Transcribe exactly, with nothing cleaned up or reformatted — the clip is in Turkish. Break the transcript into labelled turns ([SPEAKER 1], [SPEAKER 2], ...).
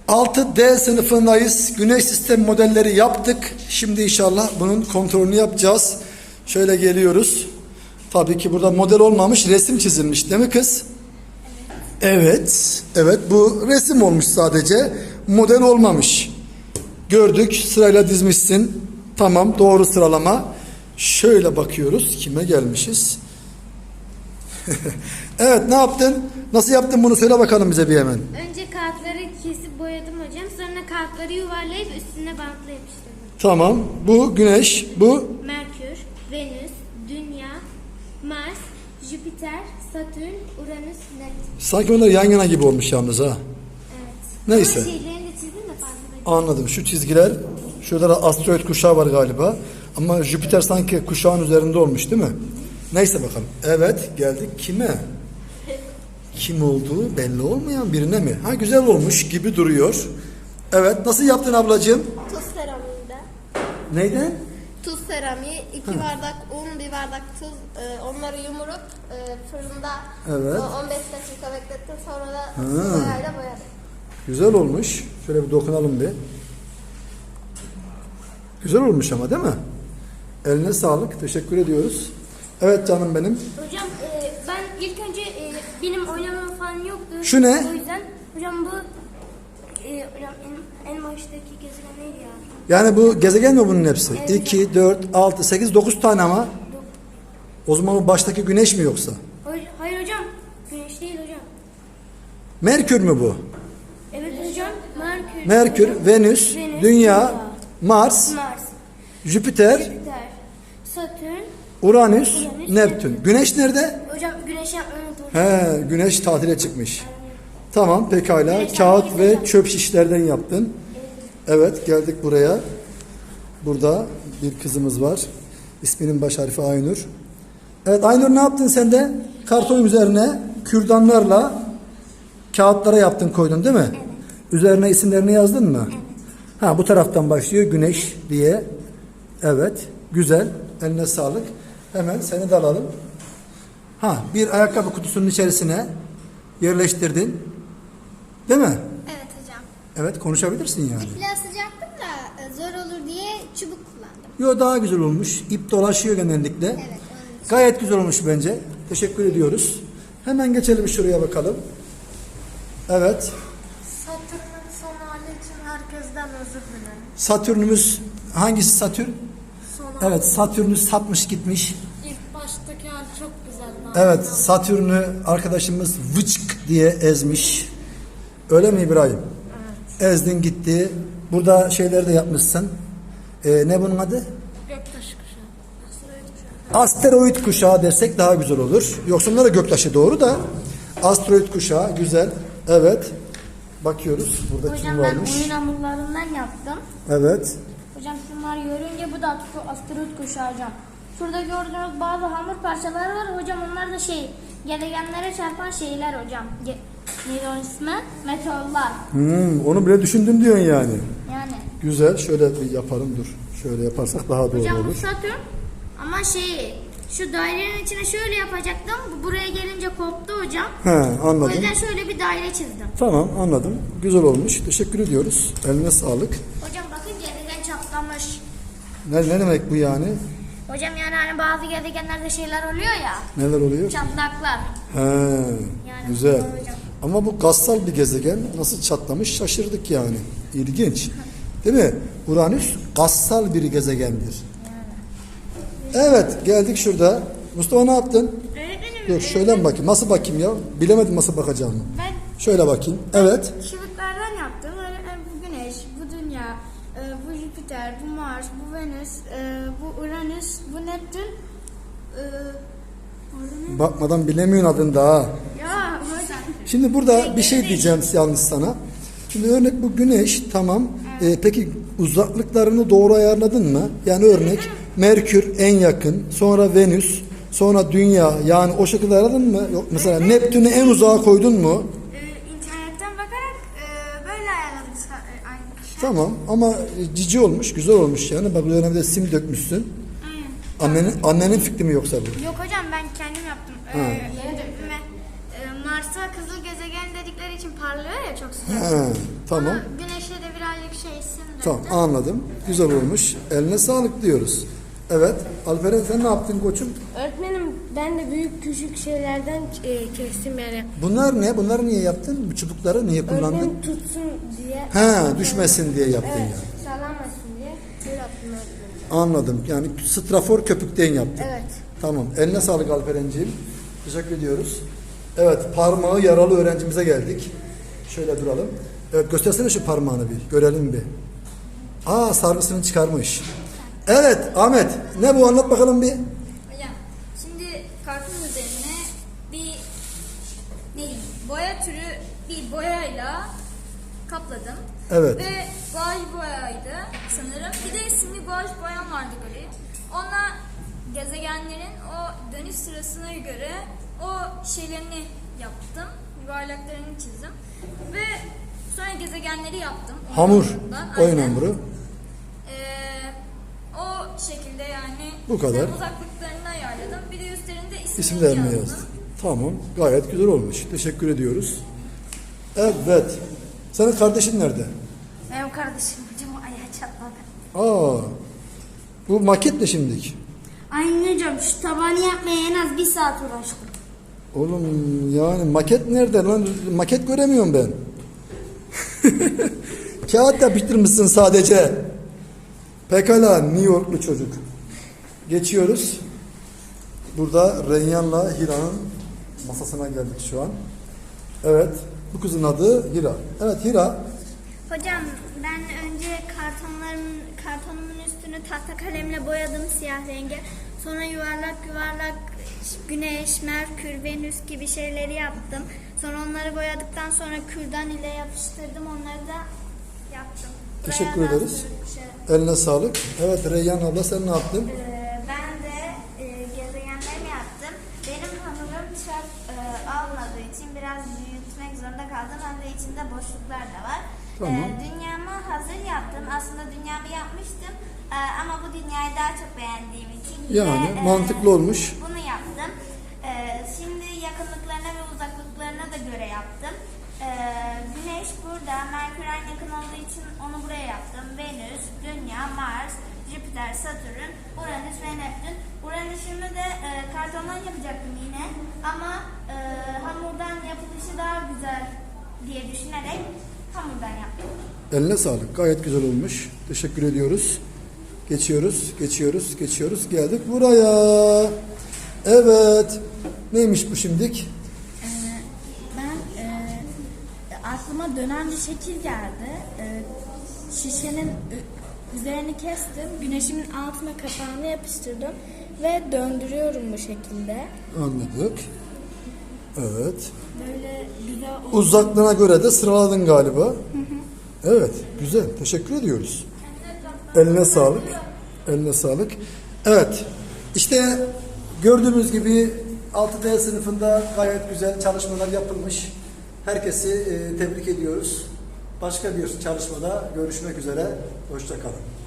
[SPEAKER 1] altı D sınıfındayız. Güneş sistem modelleri yaptık. Şimdi inşallah bunun kontrolünü yapacağız. Şöyle geliyoruz. Tabii ki burada model olmamış, resim çizilmiş değil mi kız? Evet. Evet, bu resim olmuş sadece. Model olmamış. Gördük, sırayla dizmişsin. Tamam, doğru sıralama. Şöyle bakıyoruz, kime gelmişiz? Evet, ne yaptın? Nasıl yaptın bunu söyle bakalım bize bir hemen.
[SPEAKER 2] Önce kağıtları kesip boyadım hocam. Sonra kağıtları yuvarlayıp üstüne bantla yapıştırdım.
[SPEAKER 1] Tamam, bu Güneş, bu
[SPEAKER 2] Merkür, Venüs, Dünya, Mars, Jüpiter, Satürn, Uranüs, Neptün.
[SPEAKER 1] sanki onlar yan yana gibi olmuş yalnız ha.
[SPEAKER 2] Evet.
[SPEAKER 1] Neyse.
[SPEAKER 2] Ama şeylerini de çizdim de fazla.
[SPEAKER 1] Anladım. Şu çizgiler, şurada da asteroid kuşağı var galiba. Ama Jüpiter sanki kuşağın üzerinde olmuş değil mi? Neyse bakalım. Evet, geldik kime? Kim olduğu belli olmayan birine mi? Ha, güzel olmuş gibi duruyor. Evet, nasıl yaptın ablacığım?
[SPEAKER 3] Tuz seramiğinde.
[SPEAKER 1] Neyden?
[SPEAKER 3] Tuz seramiği, iki bardak un, bir bardak tuz. E, onları yumurup e, fırında
[SPEAKER 1] Evet.
[SPEAKER 3] o on beş dakika beklettim. Sonra da
[SPEAKER 1] Ha.
[SPEAKER 3] su boyayla boyadım.
[SPEAKER 1] Güzel olmuş. Şöyle bir dokunalım bir. Güzel olmuş ama değil mi? Eline sağlık. Teşekkür ediyoruz. Evet canım benim.
[SPEAKER 2] Hocam e, ben ilk önce e, benim oynamam falan yoktu.
[SPEAKER 1] Şu ne?
[SPEAKER 2] O yüzden hocam bu e, hocam en, en baştaki gezegen neydi ya?
[SPEAKER 1] Yani bu gezegen mi bunun hepsi?
[SPEAKER 2] Evet.
[SPEAKER 1] iki, dört, altı, sekiz, dokuz tane ama. O zaman bu baştaki güneş mi yoksa?
[SPEAKER 2] Hayır, hayır hocam. Güneş değil hocam.
[SPEAKER 1] Merkür mü bu?
[SPEAKER 2] Evet hocam. Merkür.
[SPEAKER 1] Merkür, Venüs,
[SPEAKER 2] Venüs,
[SPEAKER 1] Dünya, Mars,
[SPEAKER 2] Mars,
[SPEAKER 1] Jüpiter,
[SPEAKER 2] Jüpiter, Satürn.
[SPEAKER 1] Uranüs,
[SPEAKER 2] Uranüs,
[SPEAKER 1] Neptün. Güneş nerede?
[SPEAKER 2] Hocam güneş yapmayı unuttum.
[SPEAKER 1] He, güneş tatile çıkmış. Tamam, pekala.
[SPEAKER 2] Güneş
[SPEAKER 1] Kağıt
[SPEAKER 2] yapmayı
[SPEAKER 1] ve çöp şişlerden yaptın. Evet, geldik buraya. Burada bir kızımız var. İsminin baş harfi Aynur. Evet, Aynur ne yaptın sen de? Karton üzerine kürdanlarla kağıtlara yaptın, koydun değil mi? Evet. Üzerine isimlerini yazdın mı? Evet. Ha, bu taraftan başlıyor Güneş diye. Evet, güzel. Eline sağlık. Hemen seni de alalım. Ha, bir ayakkabı kutusunun içerisine yerleştirdin. Değil mi?
[SPEAKER 3] Evet hocam.
[SPEAKER 1] Evet, konuşabilirsin yani.
[SPEAKER 3] İple asacaktım da e, zor olur diye çubuk kullandım.
[SPEAKER 1] Yo, daha güzel olmuş. İp dolaşıyor genellikle.
[SPEAKER 3] Evet, onun için.
[SPEAKER 1] Gayet güzel olmuş bence. Teşekkür ediyoruz. Hemen geçelim şuraya bakalım. Evet.
[SPEAKER 4] Satürn'ün son hali için herkesten özür dilerim.
[SPEAKER 1] Satürn'ümüz hangisi Satürn?
[SPEAKER 4] Son hali.
[SPEAKER 1] Evet, Satürn'ü satmış gitmiş.
[SPEAKER 4] İlk baştaki hali çok güzeldi.
[SPEAKER 1] Evet, Satürn'ü arkadaşımız vıçk diye ezmiş. Öyle mi İbrahim? Evet. Ezdin gitti. Burada şeyleri de yapmışsın. Ee, ne bunun adı?
[SPEAKER 4] Göktaşı kuşağı. Asteroid kuşağı.
[SPEAKER 1] Asteroid kuşağı dersek daha güzel olur. Yoksa bunlar da göktaşı doğru da. Asteroid kuşağı güzel. Evet. Bakıyoruz. Burada kim
[SPEAKER 2] Hocam ben
[SPEAKER 1] varmış?
[SPEAKER 2] oyun hamurlarından yaptım.
[SPEAKER 1] Evet.
[SPEAKER 2] Hocam şunlar görünce bu da asteroid kuşağı hocam. Şurada gördüğünüz bazı hamur parçaları var hocam, onlar da şey gezegenlere çarpan şeyler hocam. Ge Neydi onun ismi? Meteorlar.
[SPEAKER 1] Hmm, onu bile düşündün diyorsun yani.
[SPEAKER 2] Yani.
[SPEAKER 1] Güzel. Şöyle bir yapalım dur. Şöyle yaparsak daha doğru
[SPEAKER 2] Hocam bu
[SPEAKER 1] olur.
[SPEAKER 2] Satürn ama şey şu dairenin içine şöyle yapacaktım. Bu buraya gelince koptu hocam.
[SPEAKER 1] He,
[SPEAKER 2] O
[SPEAKER 1] anladım.
[SPEAKER 2] yüzden şöyle bir daire çizdim.
[SPEAKER 1] Tamam, anladım. Güzel olmuş. Teşekkür ediyoruz. Eline sağlık.
[SPEAKER 2] Hocam bakın gezegen çatlamış.
[SPEAKER 1] Ne, ne demek bu yani?
[SPEAKER 2] Hocam yani hani bazı gezegenlerde şeyler oluyor ya.
[SPEAKER 1] Neler oluyor?
[SPEAKER 2] Çatlaklar.
[SPEAKER 1] He,
[SPEAKER 2] Yani
[SPEAKER 1] güzel.
[SPEAKER 2] hocam.
[SPEAKER 1] Ama bu gassal bir gezegen. Nasıl çatlamış şaşırdık yani. İlginç. Değil mi? Uranüs gassal bir gezegendir. Evet, geldik şurada. Mustafa ne yaptın?
[SPEAKER 2] Öğretmenim.
[SPEAKER 1] Dur şöyle mi bakayım? Nasıl bakayım ya? Bilemedim nasıl bakacağımı.
[SPEAKER 2] Ben
[SPEAKER 1] Şöyle bakayım. Evet.
[SPEAKER 2] şıklardan yaptım. Öğretmenim bu Güneş, bu Dünya, e, bu Jüpiter, bu Mars, bu Venüs, e, bu Uranüs, bu Neptün. E, bu-
[SPEAKER 1] Bakmadan bilemiyorsun adını daha.
[SPEAKER 2] ya hocam.
[SPEAKER 1] Şimdi burada bir şey diyeceğim yalnız sana. Şimdi örnek bu Güneş tamam. Ee, peki uzaklıklarını doğru ayarladın mı? Yani örnek Merkür en yakın, sonra Venüs, sonra Dünya. Yani o şekilde ayarladın mı? Yok mesela Neptün'ü en uzağa koydun mu?
[SPEAKER 2] E, internetten bakarak e, böyle ayarladım sa- e, aynı şey.
[SPEAKER 1] Tamam ama cici olmuş, güzel olmuş yani. Bak üzerine bir de sim dökmüşsün.
[SPEAKER 2] Aynen.
[SPEAKER 1] Annenin annenin fikri mi yoksa bu?
[SPEAKER 2] Yok hocam ben kendim yaptım. Ee,
[SPEAKER 1] Ha.
[SPEAKER 2] yeni döküme. Ee, Mars'a kızıl gezegen dedikleri
[SPEAKER 4] için parlıyor ya çok sıcak.
[SPEAKER 1] He, tamam.
[SPEAKER 4] Ama güneşe de birazcık şey sindirdi.
[SPEAKER 1] Tamam anladım. Güzel olmuş. Eline sağlık diyoruz. Evet. Alperen sen ne yaptın koçum?
[SPEAKER 5] Öğretmenim ben de büyük küçük şeylerden e, kestim yani.
[SPEAKER 1] Bunlar ne? Bunları niye yaptın? Bu çubukları niye kullandın?
[SPEAKER 5] Öğretmenim tutsun diye.
[SPEAKER 1] He, düşmesin diye yaptın
[SPEAKER 5] Evet,
[SPEAKER 1] yani.
[SPEAKER 5] sağlanmasın diye. Böyle yaptım öğretmenim.
[SPEAKER 1] Anladım. Yani strafor köpükten yaptın.
[SPEAKER 5] Evet.
[SPEAKER 1] Tamam. Eline sağlık Alperenciğim. Teşekkür ediyoruz. Evet, parmağı yaralı öğrencimize geldik. Şöyle duralım. Evet, göstersene şu parmağını bir. Görelim bir. Aa, sargısını çıkarmış. Evet, Ahmet. Ne bu? Anlat bakalım bir.
[SPEAKER 6] Hocam şimdi kartın üzerine bir ne diyeyim, boya türü bir boyayla kapladım.
[SPEAKER 1] Evet.
[SPEAKER 6] Ve guaj boyaydı sanırım. Bir de simli guaj boyam vardı gri. Onunla gezegenlerin o dönüş sırasına göre o şeylerini yaptım. Yuvarlaklarını çizdim. Ve sonra gezegenleri yaptım. Oyun
[SPEAKER 1] Hamur.
[SPEAKER 6] hamurundan.
[SPEAKER 1] Oyun
[SPEAKER 6] Aynen.
[SPEAKER 1] hamuru.
[SPEAKER 6] Ee, o şekilde yani
[SPEAKER 1] Bu kadar.
[SPEAKER 6] uzaklıklarını ayarladım. Bir de üstlerinde isimlerini
[SPEAKER 1] İsimlerini
[SPEAKER 6] yazdım.
[SPEAKER 1] yazdın. Tamam. Gayet güzel olmuş. Teşekkür ediyoruz. Evet. Senin kardeşin nerede?
[SPEAKER 2] Benim kardeşim hocam ayağı çatladı.
[SPEAKER 1] Aa. Bu maket ne şimdilik?
[SPEAKER 2] Aynen hocam şu tabanı yapmaya en az bir saat uğraştım.
[SPEAKER 1] Oğlum yani maket nerede lan? Maket göremiyorum ben. Kağıt yapıştırmışsın sadece. Pekala New Yorklu çocuk. Geçiyoruz. Burada Reyyan'la Hira'nın masasına geldik şu an. Evet. Bu kızın adı Hira. Evet Hira.
[SPEAKER 7] Hocam ben önce kartonların kartonumun üstünü tahta kalemle boyadım siyah renge. Sonra yuvarlak yuvarlak güneş, merkür, venüs gibi şeyleri yaptım. Sonra onları boyadıktan sonra kürdan ile yapıştırdım. Onları da yaptım.
[SPEAKER 1] Teşekkür
[SPEAKER 7] Buraya
[SPEAKER 1] ederiz.
[SPEAKER 7] bastırdık şöyle.
[SPEAKER 1] Eline sağlık. Evet Reyyan abla sen ne yaptın?
[SPEAKER 7] Ee, ben de e, gezegenlerimi yaptım. Benim hamurum çok e, almadığı için biraz büyütmek zorunda kaldım. Hem de içinde boşluklar da var.
[SPEAKER 1] Tamam.
[SPEAKER 7] Ee, dünyamı hazır yaptım. Aslında dünyamı yapmıştım. Ee, ama bu dünyayı daha çok beğendiğim için yine,
[SPEAKER 1] Yani
[SPEAKER 7] e,
[SPEAKER 1] mantıklı olmuş.
[SPEAKER 7] bunu yaptım. Ee, şimdi yakınlıklarına ve uzaklıklarına da göre yaptım. Ee, Güneş burada, Merkür en yakın olduğu için onu buraya yaptım. Venüs, Dünya, Mars, Jüpiter, Satürn, Uranüs ve Neptün. Uranüs'ümü de e, kartondan yapacaktım yine. Ama e, hamurdan yapılışı daha güzel diye düşünerek hamurdan yaptım.
[SPEAKER 1] Eline sağlık. Gayet güzel olmuş. Teşekkür ediyoruz. Geçiyoruz, geçiyoruz, geçiyoruz. Geldik buraya. Evet. Neymiş bu şimdik?
[SPEAKER 5] Ben e, aklıma dönen bir şekil geldi. E, şişenin ü- üzerini kestim. Güneşimin altına kapağını yapıştırdım. Ve döndürüyorum bu şekilde.
[SPEAKER 1] Anladık. Evet.
[SPEAKER 5] Böyle güzel oldu.
[SPEAKER 1] Uzaklığına göre de sıraladın galiba. Evet. Güzel. Teşekkür ediyoruz. Eline sağlık. Eline sağlık. Evet. İşte gördüğümüz gibi altı D sınıfında gayet güzel çalışmalar yapılmış. Herkesi e, tebrik ediyoruz. Başka bir çalışmada görüşmek üzere. Hoşça kalın.